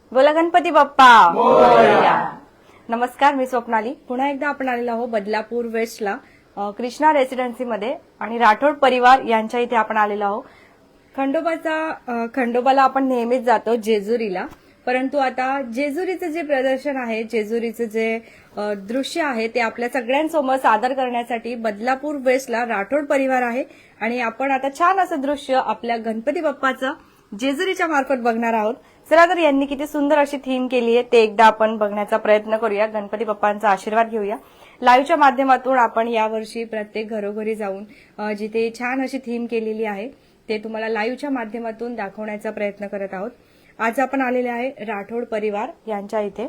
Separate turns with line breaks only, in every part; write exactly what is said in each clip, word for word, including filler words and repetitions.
बोला गणपती बाप्पा मोरया. नमस्कार, मी स्वप्नाली. पुन्हा एकदा आपण आलेलो आहोत बदलापूर वेस्टला अ, कृष्णा रेसिडेन्सीमध्ये आणि राठोड परिवार यांच्या इथे आपण आलेलो आहोत. खंडोबाचा अ, खंडोबाला आपण नेहमीच जातो जेजुरीला, परंतु आता जेजुरीचं जे प्रदर्शन आहे, जेजुरीचं जे अ, दृश्य आहे ते आपल्या सगळ्यांसमोर सादर करण्यासाठी बदलापूर वेस्टला राठोड परिवार आहे आणि आपण आता छान असं दृश्य आपल्या गणपती बाप्पाचं जेजुरीच्या मार्फत बघणार आहोत. चला तर यांनी किती सुंदर अशी थीम केली आहे ते एकदा आपण बघण्याचा प्रयत्न करूया. गणपती बाप्पांचा आशीर्वाद घेऊया. लाईव्हच्या माध्यमातून आपण यावर्षी प्रत्येक घरोघरी जाऊन अ, जिथे छान अशी थीम केलेली आहे ते तुम्हाला लाईव्हच्या माध्यमातून दाखवण्याचा प्रयत्न करत आहोत. आज आपण आलेले आहे राठोड परिवार यांच्या इथे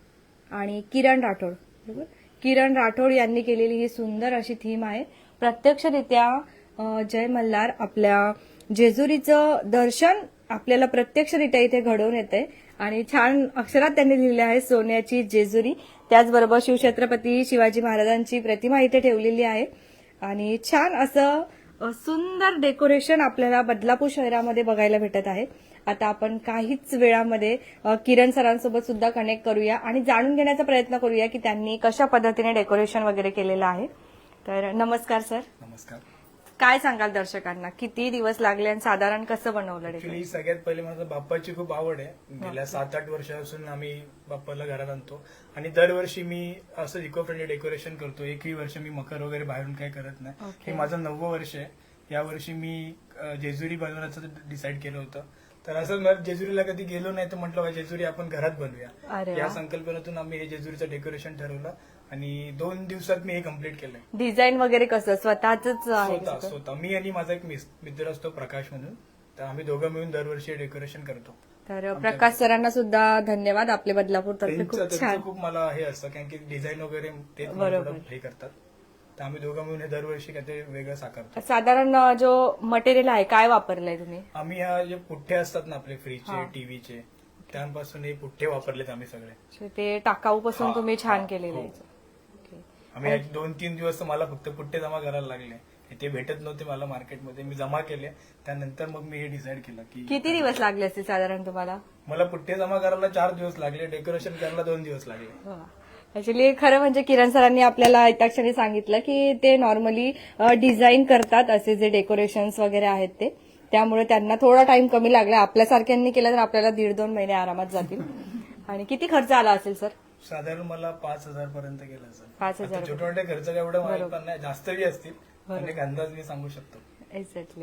आणि किरण राठोड बरोबर किरण राठोड यांनी केलेली ही सुंदर अशी थीम आहे. प्रत्यक्षरित्या अ, जय मल्हार आपल्या जेजुरीचं दर्शन आपल्याला प्रत्यक्षरित्या इथे घडवून येते आणि छान अक्षरात त्यांनी लिहिले आहे सोन्याची जेजुरी. त्याचबरोबर शिवछत्रपती शिवाजी महाराजांची प्रतिमा इथे ठेवलेली आहे आणि छान असं अ, सुंदर डेकोरेशन आपल्याला बदलापूर शहरामध्ये बघायला भेटत आहे. आता आपण काहीच वेळामध्ये अ, किरण सरांसोबत सुद्धा कनेक्ट करूया आणि जाणून घेण्याचा प्रयत्न करूया की त्यांनी कशा पद्धतीने डेकोरेशन वगैरे केलेलं आहे. तर नमस्कार सर.
नमस्कार.
काय सांगाल दर्शकांना, किती दिवस लागले आणि साधारण कसं बनवलं
ऍक्च्युली
डेकोरेशन?
सगळ्यात पहिले माझं बाप्पाची खूप आवड आहे. गेल्या सात आठ वर्षापासून आम्ही बाप्पाला घरात आणतो आणि दरवर्षी मी असं इको फ्रेंडली डेकोरेशन करतो. एकही वर्ष मी मकर वगैरे बाहेरून काही करत नाही.
Okay.
हे माझं नववं वर्ष आहे. यावर्षी मी अ, जेजुरी बनवण्याचं डिसाईड केलं होतं. तर असं मला जेजुरीला कधी गेलो नाही तर म्हटलं जेजुरी आपण घरात
अरे
बनवूया.
वा.
या संकल्पनेतून आम्ही हे जेजुरीचं डेकोरेशन ठरवलं आणि दोन दिवसात मी हे कम्प्लीट केलंय.
डिझाईन वगैरे कसं स्वतःच आहे
स्वतः
का?
स्वतः मी आणि माझा एक मिस- मित्र असतो प्रकाश म्हणून, तर आम्ही दोघं मिळून दरवर्षी डेकोरेशन करतो.
तर प्रकाश सरांना सुद्धा धन्यवाद आपले बदलापूर तर्फे.
त्यांचं
खूप
त्यांचं
छान.
खूप मला हे असतं कारण की डिझाईन वगैरे ते
बरोबर.
हे करतात. तर आम्ही दोघं मिळून हे दरवर्षी काहीतरी वेगळं साकारतो.
साधारण अ, जो मटेरियल आहे काय वापरलंय तुम्ही?
आम्ही ह्या जे पुठ्ठे असतात ना आपले
हा.
फ्रीजचे टीव्हीचे, त्यापासून हे पुठ्ठे वापरलेत आम्ही सगळे.
ते टाकाऊ पासून
हा,
तुम्ही छान
हा,
केलेले
हो.
आहे. ओके.
आम्ही ह्या दोन तीन दिवस तर मला फक्त पुठ्ठे जमा करायला लागले. ते भेटत नव्हते मला मार्केटमध्ये, मी जमा केले. त्यानंतर मग मी हे डिसाईड केलं की
किती दिवस लागले असतील साधारण तुम्हाला?
मला पुठ्ठे जमा करायला चार दिवस लागले, डेकोरेशन करायला दोन दिवस लागले.
ऍक्च्युली खरं म्हणजे किरण सरांनी आपल्याला एका क्षणी सांगितलं की ते नॉर्मली डिझाईन करतात असे जे डेकोरेशन्स वगैरे आहेत ते, त्यामुळे त्यांना थोडा टाइम कमी लागला. आपल्यासारख्यांनी केलं तर आपल्याला दीड दोन महिने आरामात जातील. आणि किती खर्च आला असेल सर?
साधारण मला पाच हजार पर्यंत गेला सर.
पाच हजार
छोटे मोठे खर्च काय एवढं माहित
बरोबर.
पण नाही, जास्तही असतील.
बरोबर.
आणि एक अंदाज मी सांगू शकतो.
एक्झॅक्टली.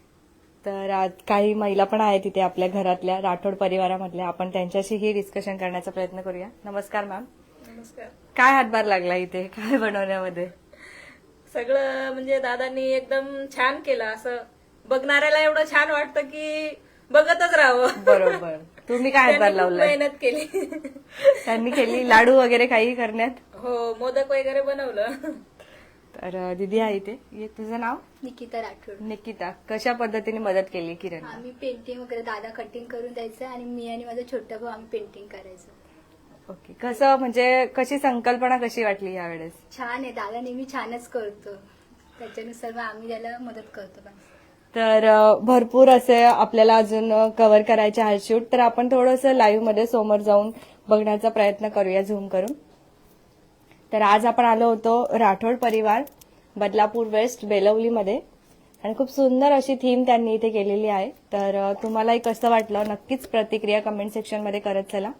तर आज काही महिला पण आहेत तिथे आपल्या घरातल्या राठोड परिवारामधल्या, आपण त्यांच्याशीही डिस्कशन करण्याचा प्रयत्न करूया. नमस्कार मॅम.
नमस्कार.
काय हातभार लागला इथे काय बनवण्यामध्ये?
सगळं म्हणजे दादांनी एकदम छान केलं. असं बघणाऱ्याला एवढं छान वाटतं की बघतच राहावं.
बरोबर. तुम्ही काय हातभार
त्यांनी खूप
लावलाय?
मेहनत केली.
त्यांनी केली लाडू वगैरे काही करण्यात?
हो, मोदक वगैरे बनवलं.
तर अ, दीदी आहे इथे. ये, तुझं नाव?
निकिता राठोड.
निकिता. कशा पद्धतीने मदत केली किरण?
आम्ही पेंटिंग वगैरे दादा कटिंग करून द्यायचं आणि मी आणि माझा छोटा भाऊ आम्ही पेंटिंग करायचं.
ओके. कसं म्हणजे कशी संकल्पना कशी वाटली यावेळेस?
छान आहे, दादा नेहमी छानच करतो, त्याच्यानुसार मग आम्ही त्याला मदत करतो. पण
तर अ, भरपूर असे आपल्याला अजून कव्हर करायचे आहे शूट, तर आपण थोडंसं लाईव्ह मध्ये समोर जाऊन बघण्याचा प्रयत्न करूया झूम करून. तर आज आपण आलो होतो राठोड परिवार बदलापूर वेस्ट बेलवलीमध्ये आणि खूप सुंदर अशी थीम त्यांनी इथे केलेली आहे. तर अ, तुम्हालाही कसं वाटलं नक्कीच प्रतिक्रिया कमेंट सेक्शन मध्ये करत चला.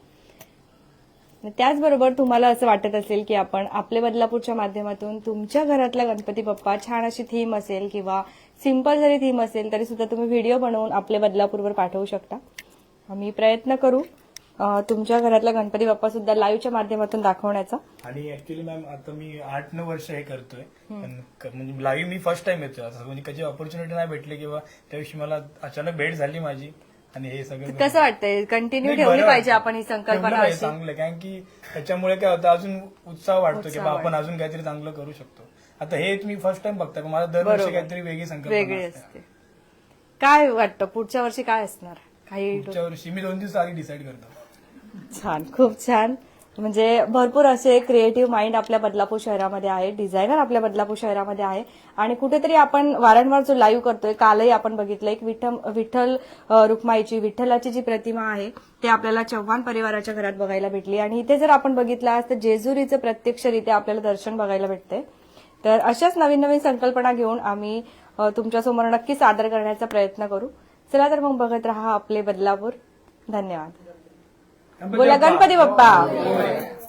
त्याचबरोबर तुम्हाला असं वाटत असेल की आपण आपले बदलापूरच्या माध्यमातून तुमच्या घरातला गणपती बाप्पा छान अशी थीम असेल किंवा सिंपल जरी थीम असेल तरी सुद्धा तुम्ही व्हिडिओ बनवून आपले बदलापूरवर पाठवू शकता. आम्ही प्रयत्न करू अ, तुमच्या घरातला गणपती बाप्पा सुद्धा लाईव्हच्या माध्यमातून दाखवण्याचा.
आणि ऍक्च्युली मॅम आता मी आठ नऊ वर्ष हे करतोय, पण क- म्हणजे लाईव्ह मी फर्स्ट टाइम येतोय. असं म्हणजे कधी ऑपॉर्च्युनिटी नाही भेटली किंवा त्या दिवशी मला अचानक भेट झाली माझी आणि हे सगळं
कसं वाटतंय कंटिन्यू
नाही,
ठेवली
बरं
पाहिजे
वाटतं.
आपण ही
ठेवलं
संकल्पना
पाहिजे,
अशी?
चांगलं आहे. कारण की त्याच्यामुळे काय होतं अजून उत्साह वाटतो की
उत्साह
बा आपण
वाटतो.
अजून काहीतरी चांगलं करू शकतो. आता हे मी फर्स्ट टाइम बघताय, पण मला दरवर्षी
बरोबर.
काहीतरी वेगळी संकल्पना
वेगळी
असते.
असते. काय वाटतं पुढच्या वर्षी काय असणार? काही
पुढच्या वर्षी मी दोन दिवस आधी डिसाईड करतो.
छान, खूप छान. म्हणजे भरपूर असे क्रिएटिव्ह माइंड आपल्या बदलापूर शहरामध्ये आहे, डिझायनर आपल्या बदलापूर शहरामध्ये आहे आणि कुठेतरी आपण वारंवार जो लाईव्ह करतोय, कालही आपण बघितलं एक विठ्ठल विठ्ठल अ, रुक्माईची विठ्ठलाची जी प्रतिमा आहे ते आपल्याला चव्हाण परिवाराच्या घरात बघायला भेटली आणि इथे जर आपण बघितलं आज तर जेजुरीचं प्रत्यक्षरित्या आपल्याला दर्शन बघायला भेटते. तर अशाच नवीन नवीन संकल्पना घेऊन आम्ही अ, तुमच्यासमोर नक्की सादर करण्याचा प्रयत्न करू. चला तर मग बघत राहा आपले बदलापूर. धन्यवाद. बोला गणपती बाप्पा.